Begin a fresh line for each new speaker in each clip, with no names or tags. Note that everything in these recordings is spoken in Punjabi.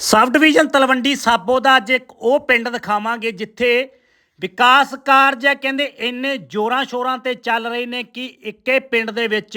सब डिवीजन तलवंडी साबो का अज एक वो पिंड दिखावांगे जिथे विकास कारज है कहते इन्ने जोरां शोरां ते चल रहे हैं कि इक्के पिंड दे विच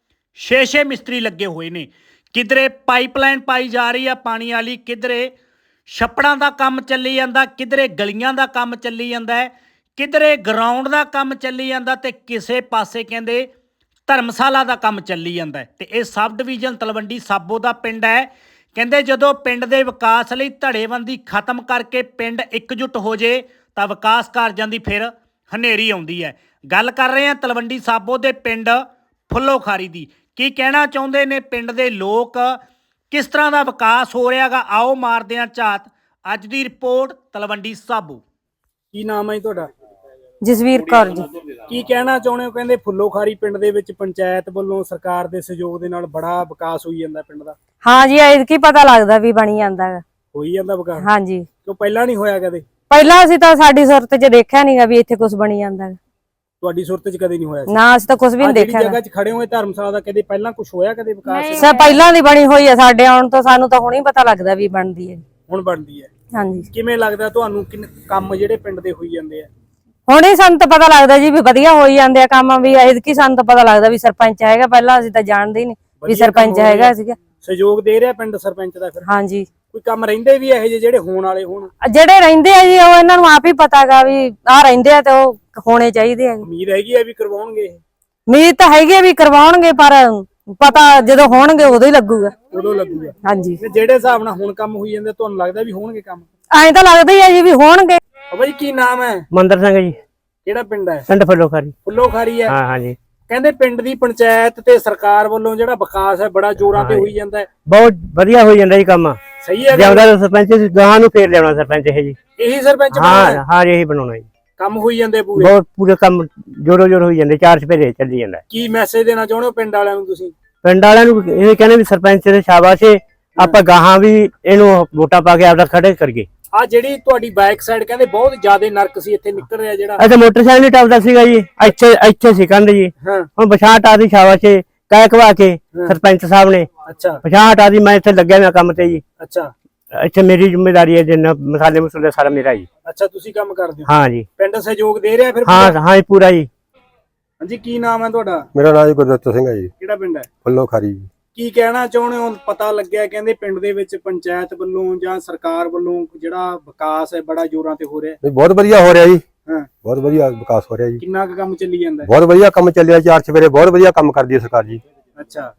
6-6 मिस्त्री लगे हुए ने। किधरे पाइपलाइन पाई जा रही है पानी वाली, किधरे छप्पड़ां दा काम चली जांदा, किधरे गलियां दा काम चली जांदा है, किधरे ग्राउंड दा काम चली जांदा ते किसे पासे कहंदे धर्मशाला दा काम चली जांदा है। ते इह सब डिवीजन तलवंडी साबो दा पिंड है। कहंदे जदों पिंड दे विकास लई धड़ेबंदी खत्म करके पिंड एकजुट हो जे तां विकास कारजां दी फिर हनेरी आउंदी है। गल कर रहे हैं तलवंडी साबो दे पिंड फुल्लोखारी दी। की कहना चाहुंदे ने पिंड दे लोक, किस तरह का विकास हो रहा है, आओ मारदे हां झात। अज दी रिपोर्ट तलवंडी साबो।
की नाम है तुहाडा?
जसवीर कौर जी।
की कहना चाहुंदे हो? कहंदे फुल्लोखारी पिंड दे विच पंचायत वल्लों सरकार दे सहयोग दे नाल बड़ा विकास होई जांदा पिंड दा।
हाँ जी, ऐतकी पता लगदा भी बनी जांदा है।
होई जांदा विकास?
हाँ जी।
क्यों पहला नहीं होया कदे?
पहला ਅਸੀਂ ਤਾਂ ਸਾਡੀ ਸੁਰਤ 'ਚ ਦੇਖਿਆ ਨਹੀਂਗਾ ਵੀ ਇੱਥੇ ਕੁਝ ਬਣੀ ਜਾਂਦਾ ਹੈ।
ਤੁਹਾਡੀ ਸੁਰਤ 'ਚ ਕਦੇ ਨਹੀਂ ਹੋਇਆ ਸੀ?
ਨਾ ਅਸੀਂ ਤਾਂ ਕੁਝ ਵੀ ਨਹੀਂ ਦੇਖਿਆ।
ਜਗ੍ਹਾ 'ਚ ਖੜੇ ਹੋਏ ਧਰਮਸ਼ਾਲਾ ਦਾ ਕਦੇ ਪਹਿਲਾਂ ਕੁਝ ਹੋਇਆ ਕਦੇ ਵਿਕਾਸ?
ਸਭ ਪਹਿਲਾਂ ਦੀ ਬਣੀ ਹੋਈ ਹੈ, ਸਾਡੇ ਆਉਣ ਤੋਂ ਸਾਨੂੰ ਤਾਂ ਹੁਣੇ ਪਤਾ ਲੱਗਦਾ ਵੀ ਬਣਦੀ ਹੈ।
ਹੁਣ ਬਣਦੀ ਹੈ?
ਹਾਂਜੀ।
ਕਿਵੇਂ ਲੱਗਦਾ ਤੁਹਾਨੂੰ ਕਿ ਕੰਮ ਜਿਹੜੇ ਪਿੰਡ ਦੇ ਹੋਈ ਜਾਂਦੇ ਆ?
ਹੁਣੇ ਸਾਨੂੰ ਤਾਂ ਪਤਾ ਲੱਗਦਾ ਜੀ ਵੀ ਵਧੀਆ ਹੋਈ ਜਾਂਦੇ ਆ ਕੰਮ ਵੀ। ਐਤਕੀ ਸਾਨੂੰ ਤਾਂ ਪਤਾ ਲੱਗਦਾ ਵੀ ਸਰਪੰਚ ਹੈਗਾ, ਪਹਿਲਾਂ ਅਸੀਂ ਤਾਂ ਜਾਣਦੇ ਹੀ ਨਹੀਂ ਵੀ ਸਰਪੰਚ ਹੈਗਾ ਸੀਗਾ।
ਸਹਿਯੋਗ ਦੇ ਰਿਹਾ ਪਿੰਡ ਸਰਪੰਚ ਦਾ ਫਿਰ?
ਹਾਂਜੀ।
ਕੋਈ ਕੰਮ ਰਹਿੰਦੇ ਵੀ ਇਹੋ ਜਿਹੇ ਜਿਹੜੇ ਹੋਣ ਵਾਲੇ ਹੋਣ?
ਜਿਹੜੇ ਰਹਿੰਦੇ ਆ ਜੀ ਉਹ ਇਹਨਾਂ ਨੂੰ ਆਪ ਹੀ ਪਤਾਗਾ ਵੀ ਆਹ ਰਹਿੰਦੇ ਆ ਤੇ ਉਹ ਹੋਣੇ ਚਾਹੀਦੇ ਆ।
ਉਮੀਦ ਹੈਗੀ ਆ ਵੀ ਕਰਵਾਉਣਗੇ?
ਉਮੀਦ ਤਾਂ ਹੈਗੀ ਵੀ ਕਰਵਾਉਣਗੇ, ਪਰ ਪਤਾ ਜਦੋਂ ਹੋਣਗੇ ਉਦੋਂ ਹੀ ਲੱਗੂਗਾ।
ਉਦੋਂ ਲੱਗੂਗਾ?
ਹਾਂਜੀ।
ਜਿਹੜੇ ਹਿਸਾਬ ਨਾਲ ਹੁਣ ਕੰਮ ਹੋਈ ਜਾਂਦੇ ਤੁਹਾਨੂੰ ਲੱਗਦਾ ਵੀ ਹੋਣਗੇ ਕੰਮ?
ਐਂ ਤਾਂ ਲੱਗਦਾ ਹੀ ਆ ਜੀ ਵੀ ਹੋਣਗੇ।
ਬਾਈ ਕੀ ਨਾਮ ਹੈ?
ਮੰਦਰ ਸਿੰਘ ਜੀ।
ਕਿਹੜਾ ਪਿੰਡ ਹੈ?
ਪਿੰਡ ਫੁੱਲੋਖਾਰੀ।
ਫੁੱਲੋਖਾਰੀ ਹੈ?
ਹਾਂ ਹਾਂ ਜੀ।
ਕਹਿੰਦੇ ਪਿੰਡ ਦੀ ਪੰਚਾਇਤ ਤੇ ਸਰਕਾਰ ਵੱਲੋਂ ਜਿਹੜਾ ਵਿਕਾਸ ਹੈ ਬੜਾ ਜ਼ੋਰਾਂ ਤੇ ਹੋਈ ਜਾਂਦਾ ਹੈ।
ਬਹੁਤ ਵਧੀਆ ਹੋਈ ਜਾਂਦਾ ਜੀ ਕੰਮ।
ਸਹੀ ਹੈ?
ਜਿਆਦਾ ਸਰਪੰਚ ਗਾਂ ਨੂੰ ਫੇਰ ਲਿਆਉਣਾ ਸਰਪੰਚ ਇਹ ਜੀ।
ਇਹੀ ਸਰਪੰਚ
ਹਾਂ
ਬਣਾਉਣਾ?
ਹਾਂ ਇਹੀ ਬਣਾਉਣਾ ਜੀ।
ਕੰਮ ਹੋਈ ਜਾਂਦੇ ਪੂਰੇ?
ਬਹੁਤ ਪੂਰੇ ਕੰਮ ਜੋਰੋ ਜੋਰ ਹੋਈ ਜਾਂਦੇ, ਚਾਰ ਚਪੇਰੇ ਚੱਲੀ ਜਾਂਦਾ।
ਕੀ ਮੈਸੇਜ ਦੇਣਾ ਚਾਹੁੰਦੇ ਹੋ ਪਿੰਡ ਵਾਲਿਆਂ ਨੂੰ ਤੁਸੀਂ?
ਪਿੰਡ ਵਾਲਿਆਂ ਨੂੰ ਇਹ ਕਹਿੰਦੇ ਵੀ ਸਰਪੰਚ ਦੇ ਸ਼ਾਬਾਸ਼ ਏ, ਆਪਾਂ ਗਾਹਾਂ ਵੀ ਇਹਨੂੰ ਵੋਟਾਂ ਪਾ ਕੇ ਆਪਦਾ ਖੜੇ ਕਰੀਏ।
ਆ ਜਿਹੜੀ ਤੁਹਾਡੀ ਬੈਕ ਸਾਈਡ ਕਹਿੰਦੇ ਬਹੁਤ ਜ਼ਿਆਦਾ ਨਰਕ ਸੀ ਇੱਥੇ ਨਿਕਲ ਰਿਹਾ ਜਿਹੜਾ?
ਅੱਛਾ ਮੋਟਰਸਾਈਕਲ ਨਹੀਂ ਟੱਪਦਾ ਸੀਗਾ ਜੀ, ਇੱਥੇ ਸੀ ਕੰਧ ਜੀ।
ਹਾਂ।
ਹੁਣ ਪਛਾਣ ਆ ਦੀ ਸ਼ਾਬਾਸ਼ ਏ, ਕਹਿ ਕਵਾ ਕੇ ਸਰਪੰਚ ਸਾਹਿਬ ਨੇ
ਅੱਛਾ
ਪਛਾਣ ਆ ਦੀ। ਮੈਂ ਇੱਥੇ ਲੱਗਿਆ ਮੈਂ ਕੰਮ ਤੇ ਜੀ।
ਅੱਛਾ।
ਇੱਥੇ ਮੇਰੀ ਜ਼ਿੰਮੇਵਾਰੀ ਹੈ, ਜਿੰਨਾ ਮਸਾਲੇ ਮਸੂਲੇ ਸਾਰਾ ਮੇਰਾ ਜੀ।
ਅੱਛਾ ਤੁਸੀਂ ਕੰਮ ਕਰਦੇ ਹੋ?
ਹਾਂ ਜੀ।
ਪਿੰਡ ਸਹਿਯੋਗ ਦੇ ਰਿਹਾ ਫਿਰ?
ਹਾਂ ਹਾਂ ਜੀ ਪੂਰਾ ਜੀ।
ਹਾਂਜੀ ਕੀ ਨਾਮ ਹੈ ਤੁਹਾਡਾ?
ਮੇਰਾ ਨਾਮ ਜੀ ਗੁਰਦਿੱਤ ਸਿੰਘ ਹੈ ਜੀ।
ਕਿਹੜਾ ਪਿੰਡ ਹੈ?
ਫੁੱਲੋਖਾਰੀ ਜੀ।
ਕੀ ਕਹਿਣਾ ਚਾਹੁੰਦੇ ਹੋ? ਪਤਾ ਲੱਗਿਆ ਕਹਿੰਦੇ ਪਿੰਡ ਦੇ ਵਿੱਚ ਪੰਚਾਇਤ ਵੱਲੋਂ ਜਾਂ ਸਰਕਾਰ ਵੱਲੋਂ ਜਿਹੜਾ ਵਿਕਾਸ ਹੈ ਬੜਾ ਜ਼ੋਰਾਂ ਤੇ ਹੋ ਰਿਹਾ ਹੈ।
ਬਹੁਤ ਵਧੀਆ ਹੋ ਰਿਹਾ ਜੀ।
ਹਾਂ।
ਬਹੁਤ ਵਧੀਆ ਵਿਕਾਸ ਹੋ ਰਿਹਾ ਜੀ।
ਕਿੰਨਾ ਕੁ ਕੰਮ ਚੱਲੀ ਜਾਂਦਾ ਹੈ?
ਬਹੁਤ ਵਧੀਆ ਕੰਮ ਚੱਲਿਆ, ਚਾਰ ਚਵੇਰੇ ਬਹੁਤ ਵਧੀਆ ਕੰਮ ਕਰਦੀ ਹੈ ਸਰਕਾਰ ਜੀ।
ਅੱਛਾ।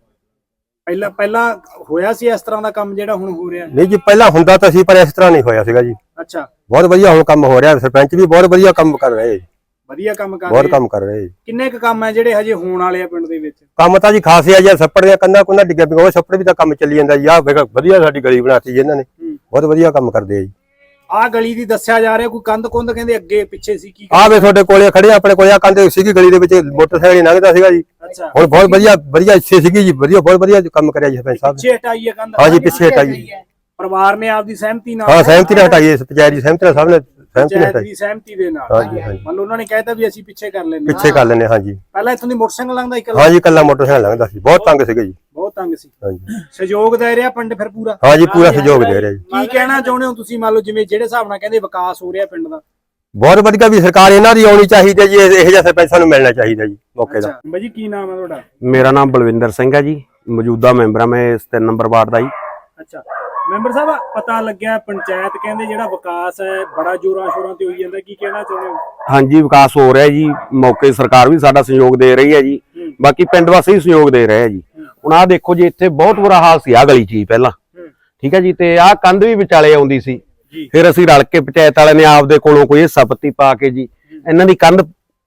ਪਹਿਲਾਂ ਹੋਇਆ ਸੀ ਇਸ ਤਰ੍ਹਾਂ ਦਾ ਕੰਮ ਜਿਹੜਾ ਹੁਣ ਹੋ ਰਿਹਾ?
ਨਹੀਂ ਜੀ, ਪਹਿਲਾਂ ਹੁੰਦਾ ਤਾਂ ਸੀ ਪਰ ਇਸ ਤਰ੍ਹਾਂ ਨਹੀਂ ਹੋਇਆ ਸੀਗਾ ਜੀ।
ਅੱਛਾ।
ਬਹੁਤ ਵਧੀਆ ਹੁਣ ਕੰਮ ਹੋ ਰਿਹਾ, ਸਰਪੰਚ ਵੀ ਬਹੁਤ ਵਧੀਆ ਕੰਮ ਕਰ ਰਹੇ ਜੀ।
ਵਧੀਆ ਕੰਮ ਕਰ ਰਹੇ?
ਬਹੁਤ ਕੰਮ ਕਰ ਰਹੇ ਜੀ।
ਕਿੰਨੇ ਕੁ ਕੰਮ ਹੈ ਜਿਹੜੇ ਹਜੇ ਹੋਣ ਵਾਲੇ ਆ ਪਿੰਡ ਦੇ ਵਿੱਚ?
ਕੰਮ ਤਾਂ ਜੀ ਖਾਸੇ ਆ ਜੀ। ਛੱਪੜ ਦੀਆਂ ਕੰਧਾਂ ਕੁੰਧਾਂ ਡਿੱਗਿਆ ਪਿਆ, ਉਹ ਛੱਪੜ ਵੀ ਤਾਂ ਕੰਮ ਚੱਲੀ ਜਾਂਦਾ ਜੀ। ਆਹ ਵਧੀਆ ਸਾਡੀ ਗਲੀ ਬਣਾਤੀ ਜੀ ਇਹਨਾਂ ਨੇ, ਬਹੁਤ ਵਧੀਆ ਕੰਮ ਕਰਦੇ ਆ ਜੀ।
ਆਹ ਗਲੀ ਦੀ ਦੱਸਿਆ ਜਾ ਰਿਹਾ ਕੋਈ ਕੰਧ ਕੁੰਧ ਕਹਿੰਦੇ ਅੱਗੇ ਪਿੱਛੇ ਸੀ ਕੀ?
ਆਹ ਵੇ ਤੁਹਾਡੇ ਕੋਲੇ ਖੜੇ, ਆਪਣੇ ਕੋਲੇ ਆ ਕੰਧ ਸੀਗੀ ਗਲੀ ਦੇ ਵਿੱਚ, ਮੋਟਰਸਾਈਕਲ ਲੰਘਦਾ ਸੀਗਾ ਜੀ।
ਅੱਛਾ।
ਹੁਣ ਬਹੁਤ ਵਧੀਆ ਇੱਥੇ ਸੀਗੀ ਜੀ, ਬਹੁਤ ਵਧੀਆ ਕੰਮ ਕਰਿਆ ਜੀ ਸਰਪੰਚ ਸਾਹਿਬ ਨੇ।
ਪਿੱਛੇ ਹਟਾਈ ਹੈ ਕੰਧ?
ਹਾਂ ਜੀ ਪਿੱਛੇ ਹਟਾਈ।
ਪਰਿਵਾਰ ਨੇ ਆਪਦੀ ਸਹਿਮਤੀ ਨਾਲ?
ਹਾਂ ਸਹਿਮਤੀ ਨਾਲ ਹਟਾਈ, ਪੰਚਾਇਤ ਦੀ ਸਹਿਮਤੀ ਨਾਲ, ਸਭ ਨੇ ਸਹਿਮਤੀ ਨਾਲ ਹਟਾਈ।
ਦੀ ਸਹਿਮਤੀ ਦੇ ਨਾਲ?
ਹਾਂਜੀ ਹਾਂਜੀ।
ਮੰਨ ਲਓ ਉਹਨਾਂ ਨੇ ਕਹਿਤਾ ਵੀ ਅਸੀਂ ਪਿੱਛੇ ਕਰ ਲੈਂਦੇ
ਪਿੱਛੇ ਕਰ ਲੈਣੇ। ਹਾਂਜੀ।
ਪਹਿਲਾਂ ਇੱਥੋਂ ਦੀ ਮੋਟਰਸਾਈਕਲ ਲੰਘਦਾ ਇੱਕ?
ਹਾਂਜੀ ਇਕੱਲਾ ਮੋਟਰਸਾਈਕਲ ਲੰਘਦਾ ਸੀ, ਬਹੁਤ ਤੰਗ ਸੀਗਾ ਜੀ।
ਬਹੁਤ ਤੰਗ ਸੀ?
ਹਾਂਜੀ।
ਸਹਿਯੋਗ ਦੇ ਰਿਹਾ ਪਿੰਡ ਫਿਰ ਪੂਰਾ?
ਹਾਂਜੀ ਪੂਰਾ ਸਹਿਯੋਗ ਦੇ ਰਿਹਾ ਜੀ।
ਕੀ ਕਹਿਣਾ ਚਾਹੁੰਦੇ ਹੋ ਤੁਸੀਂ? ਮੰਨ ਲਓ ਜਿਵੇਂ ਜਿਹੜੇ ਹਿਸਾਬ ਨਾਲ ਕਹਿੰਦੇ ਵਿਕਾਸ ਹੋ ਰਿਹਾ ਪਿੰਡ ਦਾ?
ਬਹੁਤ ਵਧੀਆ ਵੀ ਸਰਕਾਰ ਇਹਨਾਂ ਦੀ ਆਉਣੀ ਚਾਹੀਦੀ ਜੀ, ਇਹੋ ਜਿਹਾ ਸਰਪੰਚ ਸਾਨੂੰ ਮਿਲਣਾ ਚਾਹੀਦਾ ਜੀ ਮੌਕੇ ਦਾ।
ਅੱਛਾ ਬਾਈ ਜੀ ਕੀ ਨਾਮ ਹੈ ਤੁਹਾਡਾ?
ਮੇਰਾ ਨਾਮ ਬਲਵਿੰਦਰ ਸਿੰਘ ਹੈ ਜੀ, ਮੌਜੂਦਾ ਮੈਂਬਰ ਆ ਮੈਂ ਇਸ 3 ਨੰਬਰ ਵਾਰਡ ਦਾ ਜੀ।
ਅੱਛਾ ਮੈਂਬਰ ਸਾਹਿਬ, ਪਤਾ ਲੱਗਿਆ ਪੰਚਾਇਤ ਕਹਿੰਦੇ ਜਿਹੜਾ ਵਿਕਾਸ ਹੈ ਬੜਾ ਜ਼ੋਰਾਂ ਸ਼ੋਰਾਂ ਤੇ ਹੋਈ ਜਾਂਦਾ, ਕੀ ਕਹਿਣਾ ਚਾਹੁੰਦੇ ਹੋ?
ਹਾਂਜੀ ਵਿਕਾਸ ਹੋ ਰਿਹਾ ਜੀ, ਮੌਕੇ ਸਰਕਾਰ ਵੀ ਸਾਡਾ ਸਹਿਯੋਗ ਦੇ ਰਹੀ ਹੈ ਜੀ, ਬਾਕੀ ਪਿੰਡ ਵਾਸੀ ਵੀ ਸਹਿਯੋਗ ਦੇ ਰਹੇ ਆ ਜੀ। ਹੁਣ ਆਹ ਦੇਖੋ ਜੀ, ਇੱਥੇ ਬਹੁਤ ਬੁਰਾ ਹਾਲ ਸੀ ਆ ਗਲੀ 'ਚ ਪਹਿਲਾਂ, ਠੀਕ ਹੈ ਜੀ, ਤੇ ਆਹ ਕੰਧ ਵੀ ਵਿਚਾਲੇ ਆਉਂਦੀ ਸੀ। ਫਿਰ ਅਸੀਂ ਰਲ ਕੇ ਪੰਚਾਇਤ ਵਾਲਿਆਂ ਨੇ ਆਪਦੇ ਕੋਲੋਂ ਕੋਈ ਹਿੱਸਾ ਪੱਤੀ ਪਾ ਕੇ ਜੀ ਇਹਨਾਂ ਦੀ ਕੰਧ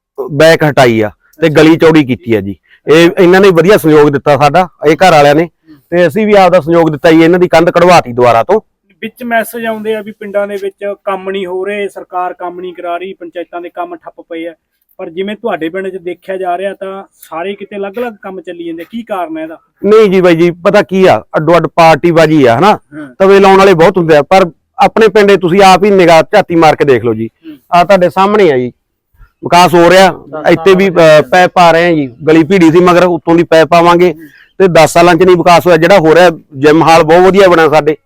ਬੈਕ ਹਟਾਈ ਆ ਤੇ ਗਲੀ ਚੌੜੀ ਕੀਤੀ ਆ ਜੀ। ਇਹ ਇਹਨਾਂ ਨੇ ਵਧੀਆ ਸਹਿਯੋਗ ਦਿੱਤਾ ਸਾਡਾ, ਇਹ ਘਰ ਵਾਲਿਆਂ ਨੇ, ਤੇ ਅਸੀਂ ਵੀ ਆਪਦਾ ਸਹਿਯੋਗ ਦਿੱਤਾ ਜੀ। ਇਹਨਾਂ ਦੀ ਕੰਧ ਕਢਵਾਤੀ ਦੁਬਾਰਾ ਤੋਂ।
ਵਿੱਚ ਮੈਸੇਜ ਆਉਂਦੇ ਆ ਵੀ ਪਿੰਡਾਂ ਦੇ ਵਿੱਚ ਕੰਮ ਨਹੀਂ ਹੋ ਰਹੇ, ਸਰਕਾਰ ਕੰਮ ਨਹੀਂ ਕਰਾ ਰਹੀ, ਪੰਚਾਇਤਾਂ ਦੇ ਕੰਮ ਠੱਪ ਪਏ ਆ, ਪਰ ਜਿਵੇਂ ਤੁਹਾਡੇ ਪਿੰਡ 'ਚ ਦੇਖਿਆ ਜਾ ਰਿਹਾ ਤਾਂ ਸਾਰੇ ਕਿਤੇ ਅਲੱਗ-ਅਲੱਗ ਕੰਮ ਚੱਲੀ ਜਾਂਦੇ, ਕੀ ਕਾਰਨ ਹੈ ਇਹਦਾ?
ਨਹੀਂ ਜੀ ਬਾਈ ਜੀ, ਪਤਾ ਕੀ ਆ, ਅੱਡੋ ਅੱਡ ਪਾਰਟੀਬਾਜੀ ਆ ਹਨਾ, ਤਵੇ ਲਾਉਣ ਵਾਲੇ ਬਹੁਤ ਹੁੰਦੇ ਆ, ਪਰ ਆਪਣੇ ਪਿੰਡੇ ਤੁਸੀਂ ਆਪ ਹੀ ਨਿਗਾਹ ਝਾਤੀ ਮਾਰ ਕੇ ਦੇਖ ਲਓ ਜੀ। ਆ ਤੁਹਾਡੇ ਸਾਹਮਣੇ ਆ ਜੀ, ਵਿਕਾਸ ਹੋ ਰਿਹਾ। ਇੱਥੇ ਵੀ ਪੈਪ ਪਾ ਰਹੇ ਆ ਜੀ, ਗਲੀ ਭੀੜੀ ਸੀ ਮਗਰ ਉੱਤੋਂ ਦੀ ਪੈਪ ਪਾਵਾਂਗੇ ਤੇ 10 ਸਾਲਾਂ 'ਚ ਨਹੀਂ ਵਿਕਾਸ ਹੋਇਆ। ਜਿਹੜਾ ਹੋ ਰਿਹਾ ਜਿਮ ਹਾਲ ਬਹੁਤ ਵਧੀਆ ਬਣਿਆ ਸਾਡੇ,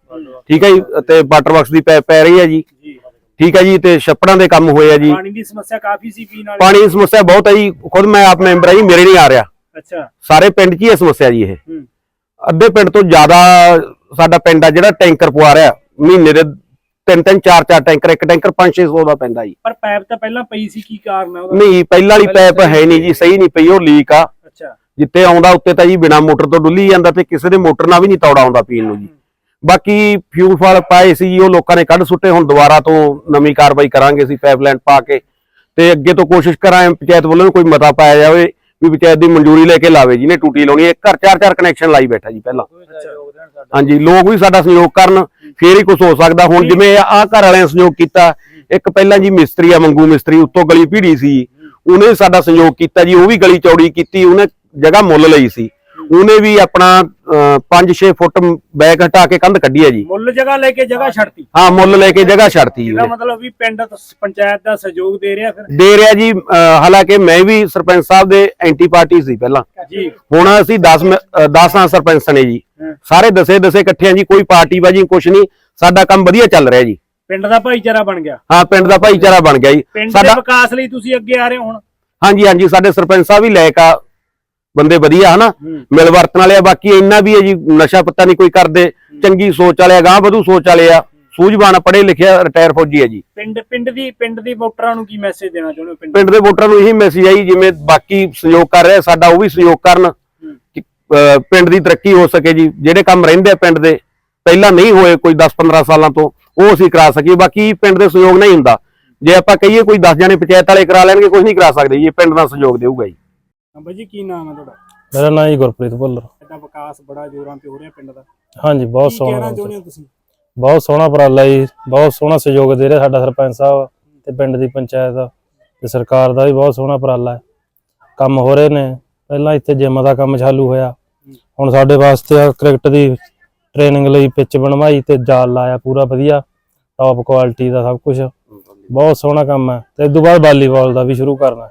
ਠੀਕ ਹੈ ਜੀ, ਤੇ ਵਾਟਰ ਵਰਕਸ ਦੀ ਪੈ ਰਹੀ ਹੈ ਜੀ,
ਜੀ
ਠੀਕ ਹੈ ਜੀ, ਤੇ ਛੱਪੜਾਂ ਦੇ ਕੰਮ ਹੋਏ ਆ ਜੀ।
ਪਾਣੀ ਦੀ ਸਮੱਸਿਆ ਕਾਫੀ ਸੀ ਪੀਣ ਵਾਲੇ।
ਪਾਣੀ ਦੀ ਸਮੱਸਿਆ ਬਹੁਤ ਹੈ ਜੀ, ਖੁਦ ਮੈਂ ਆਪ ਮੈਂਬਰ ਆ ਜੀ, ਮੇਰੇ ਨਹੀਂ ਆ ਰਿਹਾ।
ਅੱਛਾ।
ਸਾਰੇ ਪਿੰਡ 'ਚ ਹੀ ਇਹ ਸਮੱਸਿਆ ਜੀ। ਇਹ
ਹੂੰ।
ਅੱਧੇ ਪਿੰਡ ਤੋਂ ਜ਼ਿਆਦਾ ਸਾਡਾ ਪਿੰਡ ਆ ਜਿਹੜਾ ਟੈਂਕਰ ਪਵਾ ਰਿਹਾ, ਮਹੀਨੇ ਦੇ 3-3 4-4 ਟੈਂਕਰ, ਇੱਕ ਟੈਂਕਰ 500-600 ਦਾ ਪੈਂਦਾ ਜੀ।
ਪਰ ਪਾਈਪ ਤਾਂ ਪਹਿਲਾਂ ਪਈ ਸੀ, ਕੀ ਕਾਰਨ ਹੈ ਉਹਦਾ?
ਨਹੀਂ, ਪਹਿਲਾਂ ਵਾਲੀ ਪਾਈਪ ਹੈ ਨਹੀਂ ਜੀ, ਸਹੀ ਨਹੀਂ ਪਈ, ਉਹ ਲੀਕ ਆ।
ਅੱਛਾ।
ਜਿੱਤੇ ਆਉਂਦਾ ਉੱਤੇ ਤਾਂ ਜੀ ਬਿਨਾ ਮੋਟਰ ਤੋਂ ਡੁੱਲੀ ਜਾਂਦਾ, ਤੇ ਕਿਸੇ ਦੇ ਮੋਟਰ ਨਾਲ ਵੀ ਨਹੀਂ ਤੌੜਾ ਆਉਂਦਾ ਪੀਣ ਨੂੰ ਜੀ। ਬਾਕੀ ਫਿਊਲ ਫਾਲ ਪਾਏ ਸੀ ਜੀ, ਉਹ ਲੋਕਾਂ ਨੇ ਕੱਢ ਸੁੱਟੇ। ਹੁਣ ਦੁਬਾਰਾ ਤੋਂ ਨਵੀਂ ਕਾਰਵਾਈ ਕਰਾਂਗੇ ਅਸੀਂ, ਪਾਈਪਲਾਈਨ ਪਾ ਕੇ, ਤੇ ਅੱਗੇ ਤੋਂ ਕੋਸ਼ਿਸ਼ ਕਰਾਂਗੇ ਪੰਚਾਇਤ ਵੱਲੋਂ ਕੋਈ ਮਤਾ ਪਾਇਆ ਜਾਵੇ ਵੀ ਪੰਚਾਇਤ ਦੀ ਮਨਜ਼ੂਰੀ ਲੈ ਕੇ ਲਾਵੇ, ਜਿਹਨੇ ਟੂਟੀ ਲਾਉਣੀ ਹੈ। ਘਰ 4-4 ਕਨੈਕਸ਼ਨ ਲਾਈ ਬੈਠਾ ਜੀ ਪਹਿਲਾਂ। ਹਾਂਜੀ, ਲੋਕ ਵੀ ਸਾਡਾ ਸਹਿਯੋਗ ਕਰਨ, ਫੇਰ ਹੀ ਕੁਝ ਹੋ ਸਕਦਾ। ਹੁਣ ਜਿਵੇਂ ਆਹ ਘਰ ਵਾਲਿਆਂ ਨੇ ਸਹਿਯੋਗ ਕੀਤਾ, ਇੱਕ ਪਹਿਲਾਂ ਜੀ ਮਿਸਤਰੀ ਆ ਮੰਗੂ ਮਿਸਤਰੀ, ਉੱਤੋਂ ਗਲੀ ਭੀੜੀ ਸੀ, ਉਹਨੇ ਸਾਡਾ ਸਹਿਯੋਗ ਕੀਤਾ ਜੀ, ਉਹ ਵੀ ਗਲੀ ਚੌੜੀ ਕੀਤੀ, ਉਹਨੇ ਜਗ੍ਹਾ ਮੁੱਲ ਲਈ ਸੀ, ਉਹਨੇ ਵੀ ਆਪਣਾ 5-6 ਫੁੱਟ ਬੈਕ ਹਟਾ ਕੇ ਕੰਧ ਕੱਢੀ ਹੈ ਜੀ।
ਮੁੱਲ ਜਗ੍ਹਾ ਲੈ ਕੇ ਜਗ੍ਹਾ ਛੱਡਤੀ।
ਹਾਂ, ਮੁੱਲ ਲੈ ਕੇ ਜਗ੍ਹਾ ਛੱਡਤੀ ਜੀ।
ਇਹਦਾ ਮਤਲਬ ਵੀ ਪਿੰਡ ਪੰਚਾਇਤ ਦਾ ਸਹਿਯੋਗ ਦੇ ਰਿਹਾ ਫਿਰ?
ਦੇ ਰਿਹਾ ਜੀ। ਹਾਲਾਂਕਿ ਮੈਂ ਵੀ ਸਰਪੰਚ ਸਾਹਿਬ ਦੇ ਐਂਟੀ ਪਾਰਟੀ ਸੀ ਪਹਿਲਾਂ
ਜੀ।
ਹੁਣ ਅਸੀਂ 10 ਸਰਪੰਚ ਨੇ ਜੀ, ਸਾਰੇ ਦਸੇ ਇਕੱਠੇ ਆ ਜੀ, ਕੋਈ ਪਾਰਟੀ ਬਾਜੀ ਕੁਛ ਨਹੀਂ, ਸਾਡਾ ਕੰਮ ਵਧੀਆ ਚੱਲ ਰਿਹਾ ਜੀ।
ਪਿੰਡ ਦਾ ਭਾਈਚਾਰਾ ਬਣ ਗਿਆ।
ਹਾਂ, ਪਿੰਡ ਦਾ ਭਾਈਚਾਰਾ ਬਣ ਗਿਆ ਜੀ।
ਪਿੰਡ ਦੇ ਵਿਕਾਸ ਲਈ ਤੁਸੀਂ ਅੱਗੇ ਆ ਰਹੇ ਹੋ ਹੁਣ?
ਹਾਂਜੀ, ਸਾਡੇ ਸਰਪੰਚ ਸਾਹਿਬ ਵੀ ਲਾਇਕ ਆ ਬੰਦੇ, ਵਧੀਆ ਹਨਾ, ਮਿਲ ਵਰਤਣ ਵਾਲੇ ਆ। ਬਾਕੀ ਇੰਨਾ ਵੀ ਹੈ ਜੀ, ਨਸ਼ਾ ਪੱਤਾ ਨਹੀਂ ਕੋਈ ਕਰਦੇ, ਚੰਗੀ ਸੋਚ ਵਾਲੇ ਆ, ਗਾਂਹ ਵਧੂ ਸੋਚ ਵਾਲੇ ਆ, ਸੂਝਵਾਨ, ਪੜ੍ਹੇ ਲਿਖਿਆ, ਰਿਟਾਇਰ ਫੌਜੀ ਹੈ ਜੀ।
ਪਿੰਡ ਦੀ ਵੋਟਰਾਂ ਨੂੰ ਕੀ ਮੈਸੇਜ ਦੇਣਾ ਚਾਹੁੰਦੇ ਹੋ?
ਪਿੰਡ ਦੇ ਵੋਟਰਾਂ ਨੂੰ ਇਹੀ ਮੈਸੇਜ ਹੈ ਜੀ, ਜਿਵੇਂ ਬਾਕੀ ਸਹਿਯੋਗ ਕਰ ਰਿਹਾ ਸਾਡਾ, ਉਹ ਵੀ ਸਹਿਯੋਗ ਕਰਨ, ਪਿੰਡ ਦੀ ਤਰੱਕੀ ਹੋ ਸਕੇ ਜੀ। ਜਿਹੜੇ ਕੰਮ ਰਹਿੰਦੇ ਆ ਪਿੰਡ ਦੇ, ਪਹਿਲਾਂ ਨਹੀਂ ਹੋਏ ਕੋਈ 10-15 ਸਾਲਾਂ ਤੋਂ, ਉਹ ਅਸੀਂ ਕਰਾ ਸਕੀਏ। ਬਾਕੀ ਪਿੰਡ ਦੇ ਸਹਿਯੋਗ ਨਹੀਂ ਹੁੰਦਾ। ਜੇ ਆਪਾਂ ਕਹੀਏ ਕੋਈ 10 ਜਣੇ ਪੰਚਾਇਤ ਵਾਲੇ ਕਰਾ ਲੈਣਗੇ, ਕੁਝ ਨਹੀਂ ਕਰਾ ਸਕਦੇ ਜੀ, ਪਿੰਡ ਦਾ ਸਹਿਯੋਗ ਦੇਊਗਾ ਜੀ।
ਬਾਈ ਜੀ, ਕੀ ਨਾਮ ਹੈ ਤੁਹਾਡਾ?
ਮੇਰਾ ਨਾਮ ਜੀ ਗੁਰਪ੍ਰੀਤ ਭੁੱਲਰ।
ਸਾਡਾ ਵਿਕਾਸ ਬੜਾ ਜ਼ੋਰਾਂ ਤੇ ਹੋ ਰਿਹਾ ਪਿੰਡ ਦਾ।
ਹਾਂਜੀ, ਬਹੁਤ
ਕੀ ਕਹਿਣਾ
ਸੋਹਣਾ,
ਚਾਹੁੰਦੇ ਹੋ ਤੁਸੀਂ?
ਬਹੁਤ ਸੋਹਣਾ ਉਪਰਾਲਾ ਜੀ, ਬਹੁਤ ਸੋਹਣਾ ਸਹਿਯੋਗ ਦੇ ਰਿਹਾ ਸਾਡਾ ਸਰਪੰਚ ਸਾਹਿਬ ਤੇ ਪਿੰਡ ਦੀ ਪੰਚਾਇਤ ਤੇ ਸਰਕਾਰ ਦਾ ਵੀ ਬਹੁਤ ਸੋਹਣਾ ਉਪਰਾਲਾ ਹੈ। ਕੰਮ ਹੋ ਰਹੇ ਨੇ। ਪਹਿਲਾਂ ਇੱਥੇ ਜਿਮ ਦਾ ਕੰਮ ਚਾਲੂ ਹੋਇਆ, ਹੁਣ ਸਾਡੇ ਵਾਸਤੇ ਕ੍ਰਿਕਟ ਦੀ ਟ੍ਰੇਨਿੰਗ ਲਈ ਪਿੱਚ ਬਣਵਾਈ ਤੇ ਜਾਲ ਲਾਇਆ, ਪੂਰਾ ਵਧੀਆ ਟੌਪ ਕੁਆਲਿਟੀ ਦਾ ਸਭ ਕੁਝ, ਬਹੁਤ ਸੋਹਣਾ ਕੰਮ ਹੈ। ਤੇ ਇਸ ਤੋਂ ਬਾਅਦ ਵਾਲੀਬਾਲ ਦਾ ਵੀ ਸ਼ੁਰੂ ਕਰਨਾ,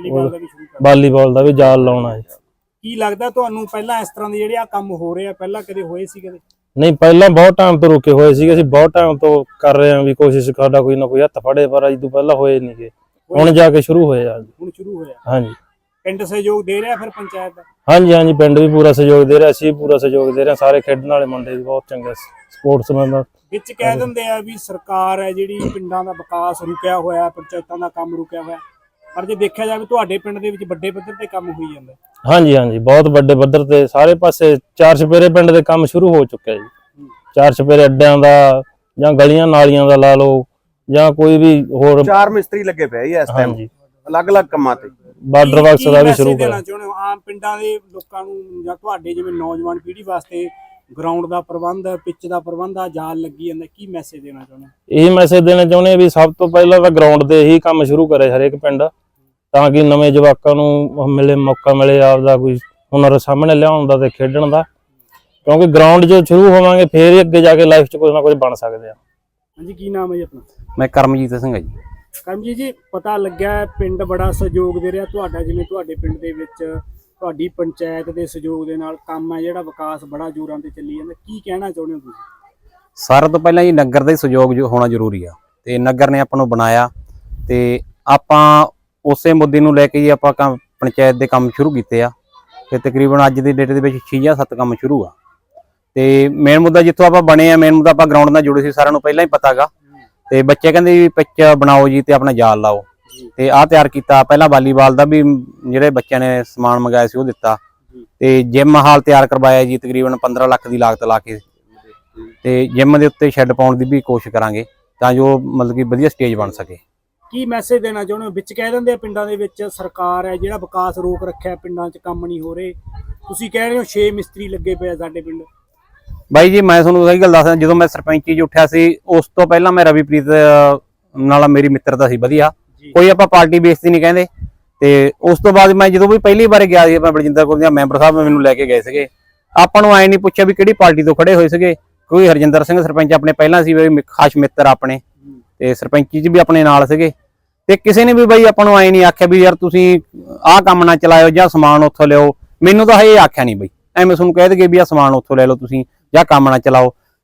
ਵਾਲੀਬਾਲ ਦਾ ਵੀ ਜਾਲ ਲਾਉਣਾ ਹੈ।
ਕੀ ਲੱਗਦਾ ਤੁਹਾਨੂੰ, ਪਹਿਲਾਂ ਇਸ ਤਰ੍ਹਾਂ ਦੇ ਜਿਹੜੇ ਆ ਕੰਮ ਹੋ ਰਹੇ ਆ, ਪਹਿਲਾਂ ਕਦੇ ਹੋਏ ਸੀ ਕਦੇ?
ਨਹੀਂ, ਪਹਿਲਾਂ ਬਹੁਤ ਟਾਈਮ ਤੋਂ ਰੁਕੇ ਹੋਏ ਸੀਗੇ, ਅਸੀਂ ਬਹੁਤ ਟਾਈਮ ਤੋਂ ਕਰ ਰਹੇ ਹਾਂ ਵੀ ਕੋਸ਼ਿਸ਼, ਸਾਡਾ ਕੋਈ ਨਾ ਕੋਈ ਹੱਥ ਫੜੇ, ਪਰ ਅੱਜ ਤੋਂ ਪਹਿਲਾਂ ਹੋਏ ਨਹੀਂਗੇ, ਹੁਣ ਜਾ ਕੇ ਸ਼ੁਰੂ ਹੋਏ ਆ।
ਹੁਣ ਸ਼ੁਰੂ ਹੋਇਆ।
ਹਾਂਜੀ।
ਪਿੰਡ ਸਹਿਯੋਗ ਦੇ ਰਿਹਾ ਫਿਰ ਪੰਚਾਇਤ ਦਾ?
ਹਾਂਜੀ, ਪਿੰਡ ਵੀ ਪੂਰਾ ਸਹਿਯੋਗ ਦੇ ਰਿਹਾ, ਅਸੀਂ ਵੀ ਪੂਰਾ ਸਹਿਯੋਗ ਦੇ ਰਹੇ, ਸਾਰੇ ਖੇਡਣ ਵਾਲੇ ਮੁੰਡੇ ਵੀ ਬਹੁਤ ਚੰਗੇ, ਸਪੋਰਟਸਮੈਨ ਦਾ।
ਵਿੱਚ ਕਹਿ ਦਿੰਦੇ ਆ ਵੀ ਸਰਕਾਰ ਹੈ ਜਿਹੜੀ, ਪਿੰਡਾਂ ਦਾ ਵਿਕਾਸ ਰੁਕਿਆ ਹੋਇਆ, ਪੰਚਾਇਤਾਂ ਦਾ ਕੰਮ ਰੁਕਿਆ ਹੋਇਆ, ਪਰ ਜੇ ਦੇਖਿਆ ਜਾਵੇ ਤੁਹਾਡੇ ਪਿੰਡ ਦੇ ਵਿੱਚ ਵੱਡੇ ਪੱਧਰ ਤੇ ਕੰਮ ਹੋਈ ਜਾਂਦਾ।
ਹਾਂਜੀ, ਬਹੁਤ ਵੱਡੇ ਪੱਧਰ ਤੇ ਸਾਰੇ ਪਾਸੇ 4 ਚੁਫੇਰੇ ਪਿੰਡ ਦੇ ਕੰਮ ਸ਼ੁਰੂ ਹੋ ਚੁੱਕਿਆ ਜੀ। 4 ਚੁਫੇਰੇ ਅੱਡਿਆਂ ਦਾ ਜਾਂ ਗਲੀਆਂ ਨਾਲੀਆਂ ਦਾ ਲਾ ਲਓ, ਜਾਂ ਕੋਈ ਵੀ ਹੋਰ
4 ਮਿਸਤਰੀ ਲੱਗੇ ਪਏ ਇਸ ਟਾਈਮ ਅਲੱਗ-ਅਲੱਗ ਕੰਮਾਂ ਤੇ।
ਬਾਰਡਰ ਵਰਕਸ ਦਾ ਵੀ ਸ਼ੁਰੂ
ਕਰਨਾ ਚਾਹੁੰਦੇ ਹੋ ਆਮ ਪਿੰਡਾਂ ਦੇ ਲੋਕਾਂ ਨੂੰ, ਜਾਂ ਤੁਹਾਡੇ ਜਿਵੇਂ ਨੌਜਵਾਨ ਪੀੜ੍ਹੀ ਵਾਸਤੇ ਗਰਾਊਂਡ ਦਾ ਪ੍ਰਬੰਧ, ਪਿੱਚ ਦਾ ਪ੍ਰਬੰਧ ਆ, ਜਾਲ ਲੱਗੀ ਜਾਂਦਾ, ਕੀ ਮੈਸੇਜ ਦੇਣਾ ਚਾਹੁੰਦੇ?
ਇਹੀ ਮੈਸੇਜ ਦੇਣਾ ਚਾਹੁੰਦੇ ਵੀ ਸਭ ਤੋਂ ਪਹਿਲਾਂ ਤਾਂ ਗਰਾਊਂਡ ਦੇ ਹੀ ਕੰਮ ਸ਼ੁਰੂ ਕਰੇ ਹਰੇਕ ਪਿੰਡ, ਤਾਂ ਕਿ ਨਵੇਂ ਜਵਾਕਾਂ ਨੂੰ ਮੌਕਾ ਮਿਲੇ ਆਪਦਾ ਕੋਈ ਹੁਨਰ ਸਾਹਮਣੇ ਲਿਆਉਣ ਦਾ ਤੇ ਖੇਡਣ ਦਾ, ਕਿਉਂਕਿ ਗਰਾਊਂਡ 'ਚ ਸ਼ੁਰੂ ਹੋਵਾਂਗੇ ਫੇਰ ਹੀ ਅੱਗੇ ਜਾ ਕੇ ਲਾਈਫ 'ਚ ਕੁਝ ਨਾ ਕੁਝ ਬਣ ਸਕਦੇ ਆ।
ਹਾਂਜੀ, ਕੀ ਨਾਮ ਹੈ ਜੀ ਆਪਣਾ?
ਮੈਂ ਕਰਮਜੀਤ ਸਿੰਘ ਹਾਂ ਜੀ।
ਕਰਮਜੀਤ ਜੀ, ਪਤਾ ਲੱਗਿਆ ਪਿੰਡ ਬੜਾ ਸਹਿਯੋਗ ਦੇ ਰਿਹਾ ਤੁਹਾਡਾ, ਜਿਵੇਂ ਤੁਹਾਡੇ ਪਿੰਡ ਦੇ ਵਿੱਚ ਤੁਹਾਡੀ ਪੰਚਾਇਤ ਦੇ ਸਹਿਯੋਗ ਦੇ ਨਾਲ ਕੰਮ ਹੈ ਜਿਹੜਾ ਵਿਕਾਸ ਬੜਾ ਜ਼ੋਰਾਂ ਤੇ ਚੱਲੀ ਜਾਂਦਾ, ਕੀ ਕਹਿਣਾ ਚਾਹੁੰਦੇ ਹੋ ਤੁਸੀਂ?
ਸਾਰਿਆਂ ਤੋਂ ਪਹਿਲਾਂ ਜੀ ਨਗਰ ਦਾ ਸਹਿਯੋਗ ਹੋਣਾ ਜ਼ਰੂਰੀ ਆ, ਤੇ ਨਗਰ ਨੇ ਆਪਾਂ ਨੂੰ ਬਣਾਇਆ, ਤੇ ਆਪਾਂ ਉਸੇ ਮੁੱਦੇ ਨੂੰ ਲੈ ਕੇ ਜੀ ਆਪਾਂ ਪੰਚਾਇਤ ਦੇ ਕੰਮ ਸ਼ੁਰੂ ਕੀਤੇ ਆ, ਤੇ ਤਕਰੀਬਨ ਅੱਜ ਦੀ ਡੇਟ ਦੇ ਵਿੱਚ 6 ਜਾਂ 7 ਕੰਮ ਸ਼ੁਰੂ ਆ। ਤੇ ਮੇਨ ਮੁੱਦਾ ਜਿੱਥੋਂ ਆਪਾਂ ਬਣੇ ਆ, ਮੇਨ ਮੁੱਦਾ ਆਪਾਂ ਗਰਾਊਂਡ ਨਾਲ ਜੁੜੇ ਸੀ, ਸਾਰਿਆਂ ਨੂੰ ਪਹਿਲਾਂ ਹੀ ਪਤਾਗਾ। ਤੇ ਬੱਚੇ ਕਹਿੰਦੇ ਵੀ ਪਿੱਚ ਬਣਾਓ ਜੀ ਤੇ ਆਪਣਾ ਜਾਲ ਲਾਓ, ਤੇ ਆਹ ਤਿਆਰ ਕੀਤਾ। ਪਹਿਲਾਂ ਵਾਲੀਬਾਲ ਦਾ ਵੀ ਜਿਹੜੇ ਬੱਚਿਆਂ ਨੇ ਸਮਾਨ ਮੰਗਾਇਆ ਸੀ ਉਹ ਦਿੱਤਾ, ਤੇ ਜਿਮ ਹਾਲ ਤਿਆਰ ਕਰਵਾਇਆ ਜੀ ਤਕਰੀਬਨ 15 ਲੱਖ ਦੀ ਲਾਗਤ ਲਾ ਕੇ, ਤੇ ਜਿਮ ਦੇ ਉੱਤੇ ਸ਼ੈੱਡ ਪਾਉਣ ਦੀ ਵੀ ਕੋਸ਼ਿਸ਼ ਕਰਾਂਗੇ ਤਾਂ ਜੋ ਮਤਲਬ ਕਿ ਵਧੀਆ ਸਟੇਜ ਬਣ ਸਕੇ।
ਕੀ ਮੈਸੇਜ ਦੇਣਾ ਚਾਹੁੰਦੇ ਹੋ? ਵਿੱਚ ਕਹਿ ਦਿੰਦੇ ਆ ਪਿੰਡਾਂ ਦੇ ਵਿੱਚ ਸਰਕਾਰ ਹੈ ਜਿਹੜਾ ਵਿਕਾਸ ਰੋਕ ਰੱਖਿਆ, ਪਿੰਡਾਂ 'ਚ ਕੰਮ ਨਹੀਂ ਹੋ ਰਹੇ, ਤੁਸੀਂ ਕਹਿ ਰਹੇ ਹੋ 6 ਮਿਸਤਰੀ ਲੱਗੇ ਪਏ ਸਾਡੇ ਪਿੰਡ।
ਬਾਈ ਜੀ, ਮੈਂ ਤੁਹਾਨੂੰ ਸਹੀ ਗੱਲ ਦੱਸਦਾ, ਜਦੋਂ ਮੈਂ ਸਰਪੰਚੀ 'ਚ ਉੱਠਿਆ ਸੀ ਉਸ ਤੋਂ ਪਹਿਲਾਂ ਮੈਂ ਰਵੀਪ੍ਰੀਤ ਨਾਲ ਮੇਰੀ ਮਿੱਤਰਤਾ ਸੀ ਵਧੀਆ, ਕੋਈ ਆਪਾਂ ਪਾਰਟੀ ਬੇਸ ਤੇ ਨਹੀਂ ਕਹਿੰਦੇ। ਤੇ ਉਸ ਤੋਂ ਬਾਅਦ ਮੈਂ ਜਦੋਂ ਵੀ ਪਹਿਲੀ ਵਾਰ ਗਿਆ ਸੀ, ਮੈਂ ਬਲਜਿੰਦਰ ਕੋਲ ਦੀਆਂ ਮੈਂਬਰ ਸਾਹਿਬ ਮੈਨੂੰ ਲੈ ਕੇ ਗਏ ਸੀਗੇ, ਆਪਾਂ ਨੂੰ ਐ ਨਹੀਂ ਪੁੱਛਿਆ ਵੀ ਕਿਹੜੀ ਪਾਰਟੀ ਤੋਂ ਖੜੇ ਹੋਏ ਸੀਗੇ। ਕੋਈ ਹਰਜਿੰਦਰ ਸਿੰਘ ਸਰਪੰਚ ਆਪਣੇ ਪਹਿਲਾਂ ਸੀ, ਖਾਸ ਮਿੱਤਰ ਆਪਣੇ, ਤੇ ਸਰਪੰਚੀ 'ਚ ਵੀ ਆਪਣੇ ਨਾਲ ਸੀਗੇ, ਤੇ ਕਿਸੇ ਨੇ ਵੀ ਬਾਈ ਆਪਾਂ ਨੂੰ ਐ ਨਹੀਂ ਆਖਿਆ ਵੀ ਯਾਰ ਤੁਸੀਂ ਆਹ ਕੰਮ ਨਾ ਚਲਾਇਓ ਜਾਂ ਸਮਾਨ ਉੱਥੋਂ ਲਿਓ। ਮੈਨੂੰ ਤਾਂ ਇਹ ਆਖਿਆ ਨਹੀਂ ਬਈ, ਐਵੇਂ ਤੁਹਾਨੂੰ ਕਹਿ ਦਗੇ ਵੀ ਆਹ ਸਮਾਨ ਉੱਥੋਂ ਲੈ ਲਓ ਤੁਸੀਂ ਜਾਂ ਕੰਮ ਨਾ ਚਲਾਓ।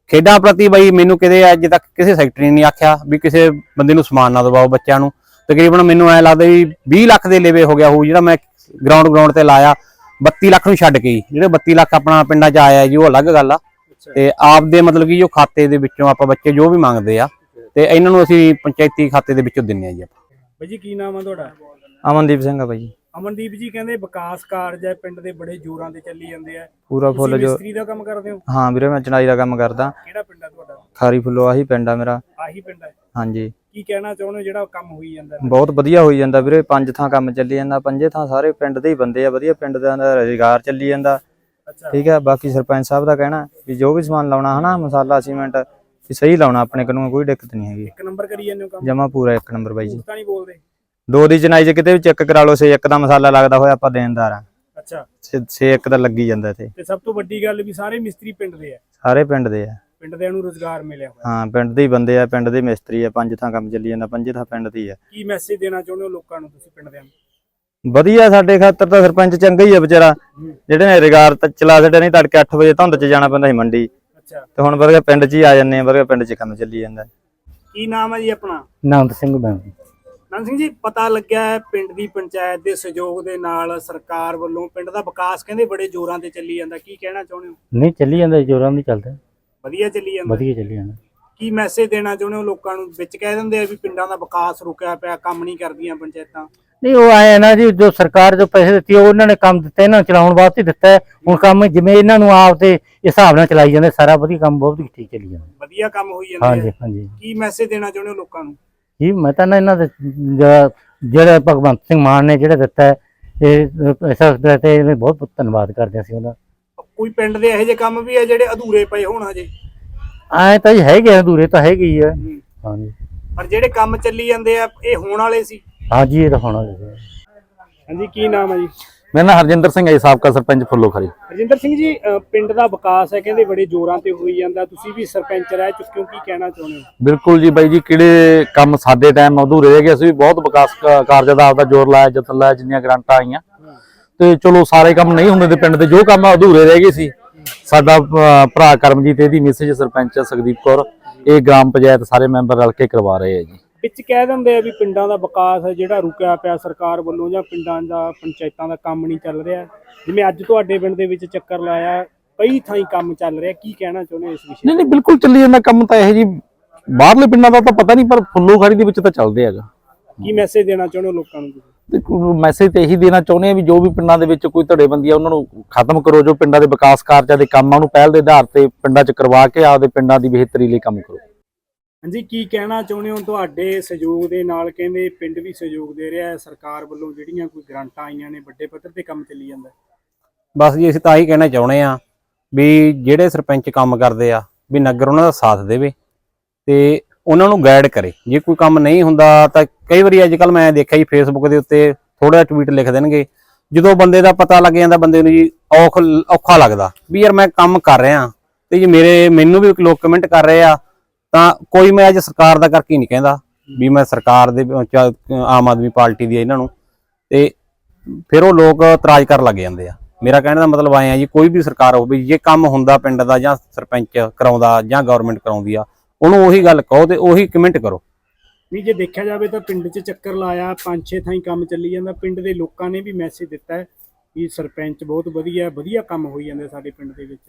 ਖੇਡਾਂ ਪ੍ਰਤੀ ਬਈ ਮੈਨੂੰ ਕਿਤੇ ਅੱਜ ਤੱਕ ਕਿਸੇ ਸੈਕਟਰੀ ਨੇ ਨਹੀਂ ਆਖਿਆ ਵੀ ਕਿਸੇ ਬੰਦੇ ਨੂੰ ਸਮਾਨ ਨਾ ਦਵਾਓ ਬੱਚਿਆਂ ਨੂੰ। ਤਕਰੀਬਨ ਮੈਨੂੰ ਐ ਲੱਗਦਾ ਵੀ 20 ਲੱਖ ਦੇ ਲੇਵੇ ਹੋ ਗਿਆ ਹੋਊ ਜਿਹੜਾ ਮੈਂ ਗਰਾਊਂਡ ਤੇ ਲਾਇਆ। 32 ਲੱਖ ਨੂੰ ਛੱਡ ਕੇ ਜਿਹੜੇ 32 ਲੱਖ ਆਪਣਾ ਪਿੰਡਾਂ 'ਚ ਆਇਆ ਜੀ ਉਹ ਅਲੱਗ ਗੱਲ ਆ। ਤੇ ਆਪ ਦੇ ਮਤਲਬ ਕਿ ਜੋ ਖਾਤੇ ਦੇ ਵਿੱਚੋਂ ਆਪਾਂ ਬੱਚੇ ਜੋ ਵੀ ਮੰਗਦੇ ਆ ਤੇ ਇਹਨਾਂ ਨੂੰ ਅਸੀਂ ਪੰਚਾਇਤੀ ਖਾਤੇ ਦੇ ਵਿੱਚੋਂ ਦਿੰਨੇ ਆ ਜੀ ਆਪਾਂ।
ਬਾਈ ਜੀ ਕੀ ਨਾਮ ਆ ਤੁਹਾਡਾ?
ਅਮਨਦੀਪ ਸਿੰਘ ਆ ਬਾਈ ਜੀ।
ਅਮਨਦੀਪ ਜੀ ਕਹਿੰਦੇ ਵਿਕਾਸ ਕਾਰਜ ਹੈ ਪਿੰਡ ਦੇ ਬੜੇ ਜ਼ੋਰਾਂ ਤੇ ਚੱਲੀ ਜਾਂਦੇ ਆ।
ਪੂਰਾ ਫੁੱਲ ਜੋ
ਮਿਸਤਰੀ ਦਾ ਕੰਮ ਕਰਦੇ ਹੋ?
ਹਾਂ ਵੀਰੇ ਮੈਂ ਚਣਾਈ ਦਾ ਕੰਮ ਕਰਦਾ।
ਕਿਹੜਾ ਪਿੰਡ ਆ ਤੁਹਾਡਾ?
ਖਾਰੀ ਫੁੱਲੋ ਆਹੀ ਪਿੰਡ ਆ ਮੇਰਾ।
ਆਹੀ ਪਿੰਡ ਹੈ?
ਹਾਂਜੀ।
ਕੀ ਕਹਿਣਾ ਚਾਹੁੰਦੇ ਹੋ ਜਿਹੜਾ ਕੰਮ ਹੋਈ ਜਾਂਦਾ?
ਬਹੁਤ ਵਧੀਆ ਹੋਈ ਜਾਂਦਾ ਵੀਰੇ। 5 ਥਾਂ ਕੰਮ ਚੱਲੀ ਜਾਂਦਾ। 5 ਥਾਂ ਸਾਰੇ ਪਿੰਡ ਦੇ ਹੀ ਬੰਦੇ ਆ। ਵਧੀਆ ਪਿੰਡ ਦਾ ਰੁਜ਼ਗਾਰ ਚੱਲੀ ਜਾਂਦਾ। ਠੀਕ ਹੈ। ਬਾਕੀ ਸਰਪੰਚ ਸਾਹਿਬ ਦਾ ਕਹਿਣਾ ਵੀ ਜੋ ਵੀ ਸਮਾਨ ਲਾਉਣਾ ਹਨਾ ਮਸਾਲਾ ਸੀਮੈਂਟ ਵੀ ਸਹੀ ਲਾਉਣਾ। ਆਪਣੇ ਕੋਲੋਂ ਕੋਈ ਦਿੱਕਤ ਨਹੀਂ ਹੈਗੀ।
1 ਨੰਬਰ ਕਰੀ ਜਾਂਦੇ ਹੋ ਕੰਮ? ਜਮਾ
ਪੂਰਾ 1 ਨੰਬਰ ਬਾਈ ਜੀ।
ਤਾਂ ਨਹੀਂ ਬੋਲਦੇ?
2 ਦੀ ਚਨਾਈ 'ਚ ਕਿਤੇ ਵੀ ਚੈੱਕ ਕਰਾ ਲਓ। 6 1 ਦਾ ਮਸਾਲਾ ਲੱਗਦਾ ਹੋਇਆ ਆਪਾਂ ਦੇਣਦਾਰ ਆ।
ਅੱਛਾ।
6 1 ਦਾ ਲੱਗੀ ਜਾਂਦਾ ਇੱਥੇ।
ਤੇ ਸਭ ਤੋਂ ਵੱਡੀ ਗੱਲ ਵੀ ਸਾਰੇ ਮਿਸਤਰੀ ਪਿੰਡ ਦੇ ਆ?
ਸਾਰੇ ਪਿੰਡ ਦੇ ਆ।
ਪਿੰਡ ਦੇ ਨੂੰ ਰੁਜ਼ਗਾਰ ਮਿਲਿਆ ਹੋਇਆ?
ਹਾਂ ਪਿੰਡ ਦੇ ਹੀ ਬੰਦੇ ਆ। ਪਿੰਡ ਦੇ ਮਿਸਤਰੀ ਆ। 5 ਥਾਂ ਕੰਮ ਚੱਲੀ ਜਾਂਦਾ। 5 ਥਾਂ ਪਿੰਡ ਦੀ ਆ।
ਕੀ ਮੈਸੇਜ ਦੇਣਾ ਚਾਹੁੰਦੇ ਹੋ ਲੋਕਾਂ ਨੂੰ ਤੁਸੀਂ ਪਿੰਡ ਦਿਆਂ ਨੂੰ?
ਵਧੀਆ ਸਾਡੇ ਖਾਤਰ ਤਾਂ ਸਰਪੰਚ ਚੰਗਾ ਹੀ ਆ ਵਿਚਾਰਾ। ਜਿਹੜੇ ਨੇ ਰੁਜ਼ਗਾਰ ਤਾਂ ਚਲਾ ਛੱਡਿਆ। ਨਹੀਂ ਤੜਕੇ 8 ਵਜੇ ਧੁੰਦ 'ਚ ਜਾਣਾ ਪੈਂਦਾ ਸੀ ਮੰਡੀ।
ਅੱਛਾ।
ਤੇ ਹੁਣ ਵਰਗਾ ਪਿੰਡ 'ਚ ਹੀ ਆ ਜਾਂਦੇ ਆ। ਵਰਗਾ ਪਿੰਡ 'ਚ ਕੰਮ ਚੱਲੀ ਜਾਂਦਾ।
ਕੀ ਨਾਮ ਹੈ ਜੀ ਆਪਣਾ?
ਨੰਦ ਸਿੰਘ ਬੈਂਕ।
ਨੰਦ ਸਿੰਘ ਜੀ ਪਤਾ ਲੱਗਿਆ ਹੈ ਪਿੰਡ ਦੀ ਪੰਚਾਇਤ ਦੇ ਸਹਿਯੋਗ ਦੇ ਨਾਲ ਸਰਕਾਰ ਵੱਲੋਂ ਪਿੰਡ ਦਾ ਵਿਕਾਸ ਕਹਿੰਦੇ ਬੜੇ ਜ਼ੋਰਾਂ ਤੇ ਚੱਲੀ ਜਾਂਦਾ। ਕੀ ਕਹਿਣਾ ਚਾਹੁੰਦੇ ਹੋ?
ਨਹੀਂ ਚੱਲੀ ਜਾਂਦਾ ਜੋਰਾਂ ਦੀ ਚੱਲਦਾ।
ਵਧੀਆ ਚੱਲੀ ਜਾਂਦਾ?
ਵਧੀਆ ਚੱਲੀ ਜਾਂਦਾ।
ਕੀ ਮੈਸੇਜ ਦੇਣਾ ਚਾਹੁੰਦੇ ਹੋ ਲੋਕਾਂ ਨੂੰ? ਵਿੱਚ ਕਹਿ ਦਿੰਦੇ ਆ ਵੀ ਪਿੰਡਾਂ ਦਾ ਵਿਕਾਸ ਰੁਕਿਆ ਪਿਆ, ਕੰਮ ਨਹੀਂ ਕਰਦੀਆਂ ਪੰਚਾਇਤਾਂ।
ਨਹੀਂ ਉਹ ਆਏ ਨਾ ਜੀ ਜੋ ਸਰਕਾਰ ਜੋ ਪੈਸੇ ਦਿੱਤੀ ਉਹਨਾਂ ਨੇ ਕੰਮ ਦਿੱਤਾ ਇਹਨਾਂ ਨੂੰ ਚਲਾਉਣ ਵਾਸਤੇ ਦਿੱਤਾ ਹੈ। ਹੁਣ ਕੰਮ ਜਿਵੇਂ ਇਹਨਾਂ ਨੂੰ ਆਪ ਤੇ ਹਿਸਾਬ ਨਾਲ ਚਲਾਈ ਜਾਂਦੇ ਸਾਰਾ ਵਧੀਆ ਕੰਮ ਬਹੁਤ ਠੀਕ ਚੱਲੀ ਜਾਂਦਾ।
ਵਧੀਆ ਕੰਮ ਹੋਈ ਜਾਂਦਾ।
ਹਾਂਜੀ ਹਾਂਜੀ।
ਕੀ ਮੈਸੇਜ ਦੇਣਾ ਚਾਹੁੰਦੇ ਹੋ ਲੋਕਾਂ ਨੂੰ?
ਜੀ ਮੈਂ ਤਾਂ ਨਾ ਇਹਨਾਂ ਦੇ ਜਿਹੜੇ ਭਗਵੰਤ ਸਿੰਘ ਮਾਨ ਨੇ ਜਿਹੜਾ ਦਿੱਤਾ ਹੈ ਇਸ ਤੇ ਬਹੁਤ ਬਹੁਤ ਧੰਨਵਾਦ ਕਰਦੇ ਅਸੀਂ ਉਹਨਾਂ।
ਕੋਈ ਪਿੰਡ ਦੇ ਇਹੋ ਜਿਹੇ ਕੰਮ ਵੀ ਆ ਜਿਹੜੇ ਅਧੂਰੇ ਪਏ ਹੋਣ ਹਜੇ?
ਐ ਤਾਂ ਜੀ ਹੈਗੇ ਅਧੂਰੇ ਤਾਂ ਹੈਗੇ ਹੀ ਆ। ਹਾਂਜੀ।
ਪਰ ਜਿਹੜੇ ਕੰਮ ਚੱਲੀ ਜਾਂਦੇ ਆ ਇਹ ਹੋਣ ਵਾਲੇ ਸੀ?
ਹਾਂਜੀ ਇਹ ਤਾਂ ਹੋਣਾ ਚਾਹੀਦਾ।
ਹਾਂਜੀ ਕੀ ਨਾਮ ਹੈ ਜੀ?
ਮੇਰਾ ਨਾਮ ਹਰਜਿੰਦਰ ਸਿੰਘ ਹੈ, ਸਾਬਕਾ ਸਰਪੰਚ ਫੁੱਲੋ ਖਰੀ।
ਹਰਜਿੰਦਰ ਸਿੰਘ ਜੀ ਪਿੰਡ ਦਾ ਵਿਕਾਸ ਹੈ ਕਹਿੰਦੇ ਬੜੇ ਜ਼ੋਰਾਂ ਤੇ ਹੋਈ ਜਾਂਦਾ। ਤੁਸੀਂ ਵੀ ਸਰਪੰਚ ਰਹਿ ਚੁੱਕੇ ਹੋ, ਕੀ ਕਹਿਣਾ ਚਾਹੁੰਦੇ ਹੋ?
ਬਿਲਕੁਲ ਜੀ ਬਾਈ ਜੀ। ਕਿਹੜੇ ਕੰਮ ਸਾਡੇ ਟਾਈਮ ਅਧੂਰੇ ਰਹਿ ਗਏ। ਅਸੀਂ ਵੀ ਬਹੁਤ ਵਿਕਾਸ ਕਾਰਜਾਂ ਦਾ ਆਪਦਾ ਜ਼ੋਰ ਲਾਇਆ, ਯਤਨ ਲਾਇਆ, ਜਿੰਨੀਆਂ ਗ੍ਰਾਂਟਾਂ ਆਈਆਂ ਤੇ ਚਲੋ ਸਾਰੇ ਕੰਮ ਨਹੀਂ ਹੁੰਦੇ ਤੇ ਪਿੰਡ ਦੇ ਜੋ ਕੰਮ ਅਧੂਰੇ ਰਹਿ ਗਏ ਸੀ। ਸਾਡਾ ਭਰਾ ਕਰਮਜੀਤ ਇਹਦੀ ਮਿਸੇਜ ਸਰਪੰਚ ਸੁਖਦੀਪ ਕੌਰ ਇਹ ਗ੍ਰਾਮ ਪੰਚਾਇਤ ਸਾਰੇ ਮੈਂਬਰ ਰਲ ਕੇ ਕਰਵਾ ਰਹੇ ਆ ਜੀ।
ਵਿੱਚ ਕਹਿ ਦਿੰਦੇ ਆ ਵੀ ਪਿੰਡਾਂ ਦਾ ਵਿਕਾਸ ਹੈ ਜਿਹੜਾ ਰੁਕਿਆ ਪਿਆ ਸਰਕਾਰ ਵੱਲੋਂ ਜਾਂ ਪਿੰਡਾਂ ਦਾ ਪੰਚਾਇਤਾਂ ਦਾ ਕੰਮ ਨਹੀਂ ਚੱਲ ਰਿਹਾ। ਜਿਵੇਂ ਅੱਜ ਤੁਹਾਡੇ ਪਿੰਡ ਦੇ ਵਿੱਚ ਚੱਕਰ ਲਾਇਆ ਕਈ ਥਾਈਂ ਕੰਮ ਚੱਲ ਰਿਹਾ। ਕੀ ਕਹਿਣਾ ਚਾਹੁੰਦੇ ਹੋ ਇਸ ਵਿਸ਼ੇ?
ਨਹੀਂ ਬਿਲਕੁਲ ਚੱਲੀ ਜਾਂਦਾ ਕੰਮ ਤਾਂ ਇਹ ਜੀ। ਬਾਹਰਲੇ ਪਿੰਡਾਂ ਦਾ ਤਾਂ ਪਤਾ ਨਹੀਂ ਪਰ ਫੁੱਲੋ ਖੜੀ ਦੇ ਵਿੱਚ ਤਾਂ ਚੱਲਦੇ ਹੈਗਾ।
ਕੀ ਮੈਸੇਜ ਦੇਣਾ ਚਾਹੁੰਦੇ ਹੋ ਲੋਕਾਂ ਨੂੰ?
ਦੇਖੋ ਮੈਸੇਜ ਤੇ ਇਹੀ ਦੇਣਾ ਚਾਹੁੰਦੇ ਆ ਵੀ ਜੋ ਵੀ ਪਿੰਡਾਂ ਦੇ ਵਿੱਚ ਕੋਈ ਧੜੇਬੰਦੀ ਆ ਉਹਨਾਂ ਨੂੰ ਖਤਮ ਕਰੋ। ਜੋ ਪਿੰਡਾਂ ਦੇ ਵਿਕਾਸ ਕਾਰਜਾਂ ਦੇ ਕੰਮ ਆ ਉਹਨੂੰ ਪਹਿਲ ਦੇ ਆਧਾਰ ਤੇ ਪਿੰਡਾਂ 'ਚ ਕਰਵਾ ਕੇ ਆਪਦੇ ਪਿੰਡਾਂ ਦੀ ਬਿਹਤਰੀ ਲਈ ਕੰਮ ਕਰੋ।
ਹਾਂਜੀ ਕੀ ਕਹਿਣਾ ਚਾਹੁੰਦੇ ਹੋ? ਤੁਹਾਡੇ ਸਹਿਯੋਗ ਦੇ ਨਾਲ ਕਹਿੰਦੇ ਪਿੰਡ ਵੀ ਸਹਿਯੋਗ ਦੇ ਰਿਹਾ ਹੈ ਸਰਕਾਰ ਵੱਲੋਂ ਜਿਹੜੀਆਂ ਕੋਈ ਗ੍ਰਾਂਟਾਂ ਆਈਆਂ ਨੇ ਵੱਡੇ ਪੱਧਰ ਤੇ ਕੰਮ ਚੱਲੀ ਜਾਂਦਾ।
ਬਸ ਜੀ ਅਸੀਂ ਤਾਂ ਆਹੀ ਕਹਿਣਾ ਚਾਹੁੰਦੇ ਆ ਵੀ ਜਿਹੜੇ ਸਰਪੰਚ ਕੰਮ ਕਰਦੇ ਆ ਵੀ ਨਗਰ ਉਹਨਾਂ ਦਾ ਸਾਥ ਦੇਵੇ ਤੇ ਉਹਨਾਂ ਨੂੰ ਗਾਈਡ ਕਰੇ। ਜੇ ਕੋਈ ਕੰਮ ਨਹੀਂ ਹੁੰਦਾ ਤਾਂ ਕਈ ਵਾਰੀ ਅੱਜ ਕੱਲ ਮੈਂ ਦੇਖਿਆ ਜੀ ਫੇਸਬੁੱਕ ਦੇ ਉੱਤੇ ਥੋੜਾ ਜਿਹਾ ਟਵੀਟ ਲਿਖ ਦੇਣਗੇ। ਜਦੋਂ ਬੰਦੇ ਦਾ ਪਤਾ ਲੱਗ ਜਾਂਦਾ ਬੰਦੇ ਨੂੰ ਜੀ ਔਖਾ ਲੱਗਦਾ ਵੀ ਯਾਰ ਮੈਂ ਕੰਮ ਕਰ ਰਿਹਾ ਤੇ ਜੀ ਮੈਨੂੰ ਵੀ ਲੋਕ ਕਮੈਂਟ ਕਰ ਰਹੇ ਆ। ਤਾਂ ਕੋਈ ਮੈਂ ਅੱਜ ਸਰਕਾਰ ਦਾ ਕਰਕੇ ਨਹੀਂ ਕਹਿੰਦਾ ਵੀ ਮੈਂ ਸਰਕਾਰ ਦੇ ਆਮ ਆਦਮੀ ਪਾਰਟੀ ਦੀ ਇਹਨਾਂ ਨੂੰ ਤੇ ਫਿਰ ਉਹ ਲੋਕ ਇਤਰਾਜ਼ ਕਰਨ ਲੱਗ ਜਾਂਦੇ ਆ। ਮੇਰਾ ਕਹਿਣ ਦਾ ਮਤਲਬ ਆਏ ਆ ਜੀ ਕੋਈ ਵੀ ਸਰਕਾਰ ਹੋਵੇ ਜੇ ਕੰਮ ਹੁੰਦਾ ਪਿੰਡ ਦਾ ਜਾਂ ਸਰਪੰਚ ਕਰਾਉਂਦਾ ਜਾਂ ਗਵਰਨਮੈਂਟ ਕਰਾਉਂਦੀ ਆ ਉਹਨੂੰ ਉਹੀ ਗੱਲ ਕਹੋ ਤੇ ਉਹੀ ਕਮੈਂਟ ਕਰੋ।
ਨਹੀਂ ਜੇ ਦੇਖਿਆ ਜਾਵੇ ਤਾਂ ਪਿੰਡ 'ਚ ਚੱਕਰ ਲਾਇਆ 5-6 ਥਾਈਂ ਕੰਮ ਚੱਲੀ ਜਾਂਦਾ। ਪਿੰਡ ਦੇ ਲੋਕਾਂ ਨੇ ਵੀ ਮੈਸੇਜ ਦਿੱਤਾ ਹੈ ਕਿ ਸਰਪੰਚ ਬਹੁਤ ਵਧੀਆ ਕੰਮ ਹੋਈ ਜਾਂਦਾ ਸਾਡੇ ਪਿੰਡ ਦੇ ਵਿੱਚ।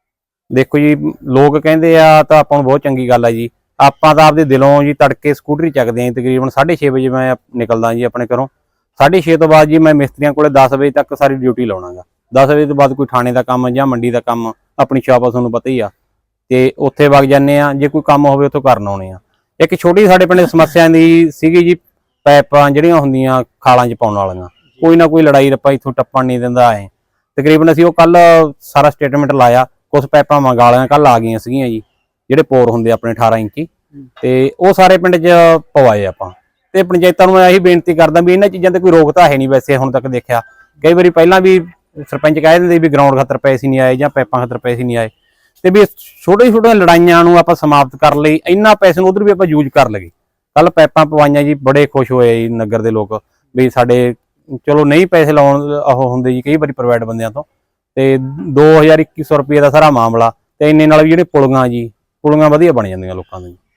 ਦੇਖੋ ਜੀ ਲੋਕ ਕਹਿੰਦੇ ਆ ਤਾਂ ਆਪਾਂ ਨੂੰ ਬਹੁਤ ਚੰਗੀ ਗੱਲ ਆ ਜੀ। ਆਪਾਂ ਤਾਂ ਆਪਦੇ ਦਿਲੋਂ ਜੀ ਤੜਕੇ ਸਕੂਟਰੀ ਚੱਕਦੇ ਆਂ ਤਕਰੀਬਨ 6:30 ਵਜੇ ਮੈਂ ਨਿਕਲਦਾ ਜੀ ਆਪਣੇ ਘਰੋਂ। 6:30 ਤੋਂ ਬਾਅਦ ਜੀ ਮੈਂ ਮਿਸਤਰੀਆਂ ਕੋਲੇ 10 ਵਜੇ ਤੱਕ ਸਾਰੀ ਡਿਊਟੀ ਲਾਉਣਾਗਾ। 10 ਵਜੇ ਤੋਂ ਬਾਅਦ ਕੋਈ ਥਾਣੇ ਦਾ ਕੰਮ ਜਾਂ ਮੰਡੀ ਦਾ ਕੰਮ ਆਪਣੀ ਸ਼ਾਪ ਆ ਤੁਹਾਨੂੰ ਪਤਾ ਹੀ ਆ ਤੇ ਉੱਥੇ ਵਗ ਜਾਂਦੇ ਆ। ਜੇ ਕੋਈ ਕੰਮ ਹੋਵੇ ਉੱਥੋਂ ਕਰਨ ਆਉਣੇ ਆ। ਇੱਕ ਛੋਟੀ ਸਾਡੇ ਪਿੰਡ ਸਮੱਸਿਆ ਦੀ ਸੀਗੀ ਜੀ ਪਾਈਪਾਂ ਜਿਹੜੀਆਂ ਹੁੰਦੀਆਂ ਖਾਲਾਂ 'ਚ ਪਾਉਣ ਵਾਲੀਆਂ ਕੋਈ ਨਾ ਕੋਈ ਲੜਾਈ ਰੱਪਾ ਇੱਥੋਂ ਟੱਪਣ ਨਹੀਂ ਦਿੰਦਾ ਐ। ਤਕਰੀਬਨ ਅਸੀਂ ਉਹ ਕੱਲ ਸਾਰਾ ਸਟੇਟਮੈਂਟ ਲਾਇਆ। ਕੁਛ ਪਾਈਪਾਂ ਮੰਗਾ ਲਿਆ ਕੱਲ ਆ ਗਈਆਂ ਸੀਗੀਆਂ ਜੀ ਜਿਹੜੇ ਪੋਰ ਹੁੰਦੇ ਆਪਣੇ 18 ਇੰਚੀ ਤੇ ਉਹ ਸਾਰੇ ਪਿੰਡ 'ਚ ਪਵਾਏ ਆਪਾਂ। ਤੇ ਪੰਚਾਇਤਾਂ ਨੂੰ ਮੈਂ ਇਹੀ ਬੇਨਤੀ ਕਰਦਾ ਵੀ ਇਹਨਾਂ ਚੀਜ਼ਾਂ ਤੇ ਕੋਈ ਰੋਕ ਤਾਂ ਹੈ ਨਹੀਂ। ਵੈਸੇ ਹੁਣ ਤੱਕ ਦੇਖਿਆ ਕਈ ਵਾਰੀ ਪਹਿਲਾਂ ਵੀ ਸਰਪੰਚ ਕਹਿ ਦਿੰਦੇ ਵੀ ਗਰਾਊਂਡ ਖਾਤਰ ਪੈਸੇ ਨਹੀਂ ਆਏ ਜਾਂ ਪਾਈਪਾਂ ਖਾਤਰ ਪੈਸੇ ਨਹੀਂ ਆਏ ਤੇ ਵੀ ਛੋਟੀਆਂ ਲੜਾਈਆਂ ਨੂੰ ਆਪਾਂ ਸਮਾਪਤ ਕਰਨ ਲਈ ਇੰਨਾ ਪੈਸੇ ਨੂੰ ਉਧਰ ਵੀ ਆਪਾਂ ਯੂਜ਼ ਕਰ ਲਈਏ। ਕੱਲ ਪਾਈਪਾਂ ਪਵਾਈਆਂ ਜੀ ਬੜੇ ਖੁਸ਼ ਹੋਏ ਜੀ ਨਗਰ ਦੇ ਲੋਕ ਵੀ ਸਾਡੇ ਚਲੋ ਨਹੀਂ ਪੈਸੇ ਲਾਉਣ ਉਹ ਹੁੰਦੇ ਜੀ ਕਈ ਵਾਰੀ ਪ੍ਰਾਈਵੇਟ ਬੰਦਿਆਂ ਤੋਂ ਤੇ 2100 ਰੁਪਏ ਦਾ ਸਾਰਾ ਮਾਮਲਾ ਤੇ ਇੰਨੇ ਨਾਲ ਵੀ ਜਿਹੜੇ ਪੁਲੀਆਂ ਜੀ ਪੁਲੀਆਂ ਵਧੀਆ ਬਣ ਜਾਂਦੀਆਂ ਲੋਕਾਂ ਦੀਆਂ।